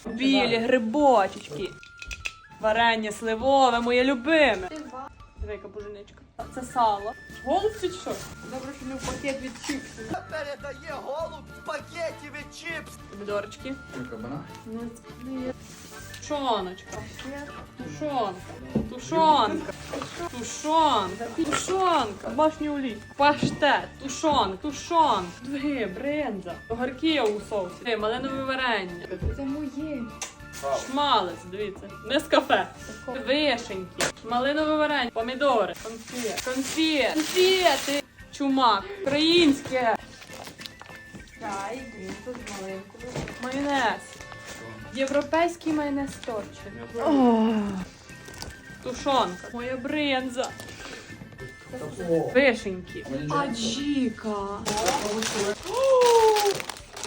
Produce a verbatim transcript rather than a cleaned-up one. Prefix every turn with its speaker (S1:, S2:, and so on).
S1: Білі грибочечки. Варення сливове, моє любиме. Дивіться, буженичка. Це сало. Голубці чи що? Добре, що не в пакет від чіпсів.
S2: Передає голуб в пакеті від чіпс.
S1: Помідорчики.
S2: Кабана?
S1: Тушоночка. Тушонка. Тушонка. Тушонка. Тушонка. Башні олій. Паштет. Тушонка. Тушонка. Дві, бринза. Огірки у соусі. Малинове варення.
S3: Це моє.
S1: Шмалець, дивіться. Не з кафе. Вишеньки. Малинове варення. Помідори. Конфет. Конфет. Конфети. Чумак. Українське.
S3: Чай, грінку з маленькою.
S1: Майонез. Європейський майонез торче. Тушонка. Моя бринза. Вишеньки. Аджіка.